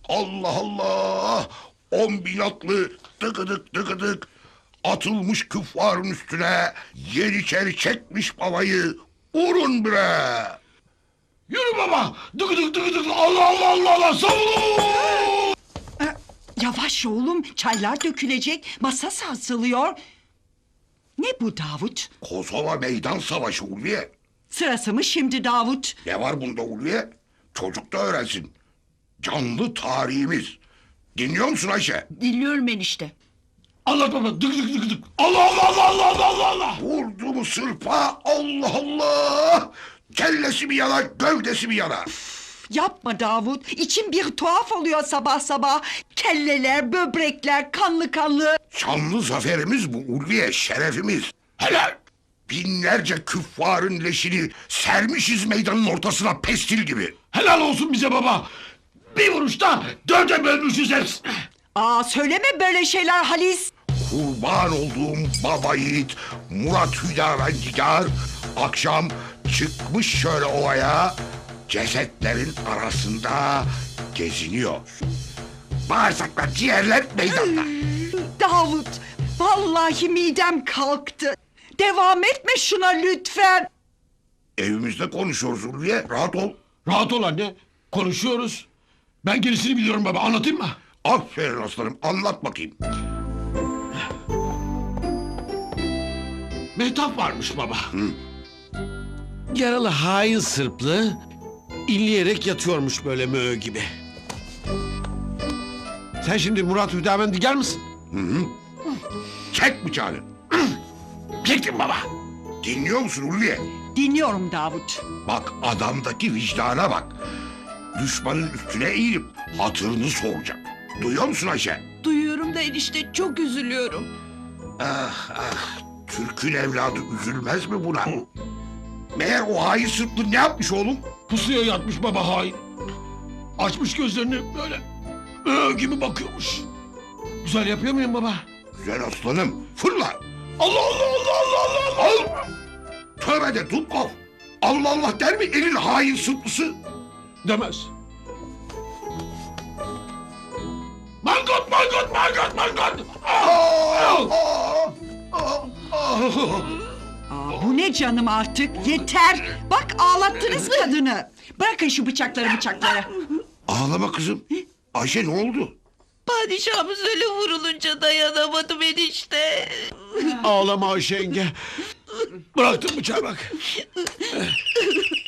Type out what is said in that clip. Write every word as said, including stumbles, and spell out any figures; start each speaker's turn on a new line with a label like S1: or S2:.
S1: Allah Allah! On bin atlı tıkıdık tıkıdık atılmış küffarın üstüne yeniçeri çekmiş babayı. Vurun bre!
S2: Yürü baba! Dık dık dık dık! Allah Allah Allah Allah! Savunun!
S3: Ee, Yavaş oğlum, çaylar dökülecek, masa sarsılıyor. Ne bu Davut?
S1: Kosova meydan savaşı Ulviye.
S3: Sırası mı şimdi Davut?
S1: Ne var bunda Ulviye? Çocuk da öğrensin. Canlı tarihimiz. Dinliyor musun Ayşe?
S4: Dinliyorum enişte.
S2: Anlat baba! Dık dık dık dık! Allah Allah Allah Allah Allah Allah Allah!
S1: Vurdu mu sırpa? Allah Allah! Kellesi mi yanar, gövdesi mi yanar?
S3: Yapma Davut, içim bir tuhaf oluyor sabah sabah. Kelleler, böbrekler, kanlı kanlı.
S1: Şanlı zaferimiz bu Ulviye, şerefimiz. Helal! Binlerce küffarın leşini sermişiz meydanın ortasına pestil gibi.
S2: Helal olsun bize baba! Bir vuruşta dörde bölmüşüz hepsini!
S3: Aa, söyleme böyle şeyler Halis.
S1: Kurban olduğum baba yiğit Murat Hüdavendigar akşam çıkmış şöyle ovaya, cesetlerin arasında geziniyor. Bağırsaklar, ciğerler meydanda.
S3: Davut, vallahi midem kalktı. Devam etme şuna lütfen.
S1: Evimizde konuşuyoruz Ulviye, rahat ol.
S2: Rahat ol anne. Konuşuyoruz. Ben gerisini biliyorum baba. Anlatayım mı?
S1: Aferin aslanım, anlat bakayım.
S2: Mehtap varmış baba.
S5: Yaralı hain Sırplı inleyerek yatıyormuş böyle möğ gibi. Sen şimdi Murat Hüdavendigar mısın?
S1: Çek bıçağını.
S2: Çektim baba.
S1: Dinliyor musun Ulviye?
S3: Dinliyorum Davut.
S1: Bak adamdaki vicdana bak. Düşmanın üstüne eğilip hatırını soracak. Duyuyor musun Ayşe?
S4: Duyuyorum da enişte çok üzülüyorum.
S1: Ah ah, Türk'ün evladı üzülmez mi buna? Meğer o hain Sırplı ne yapmış oğlum?
S2: Pusuya yatmış baba hain. Açmış gözlerini böyle möğ gibi bakıyormuş. Güzel yapıyor muyum baba?
S1: Güzel aslanım, fırla!
S2: Allah Allah Allah Allah Allah Allah!
S1: Al! Tövbe de Dubkov! Allah Allah der mi elin hain Sırplısı?
S2: Demez. Mangot mangot mangot mangot!
S1: Aa,
S2: Al!
S1: aa, aa, aa.
S3: Aa, bu ne canım artık, yeter. Bak ağlattınız kadını. Bırakın şu bıçakları bıçakları.
S1: Ağlama kızım. Ayşe ne oldu?
S4: Padişahımız öyle vurulunca dayanamadım enişte.
S5: Ağlama Ayşe yenge.
S2: Bıraktım bıçağı bak.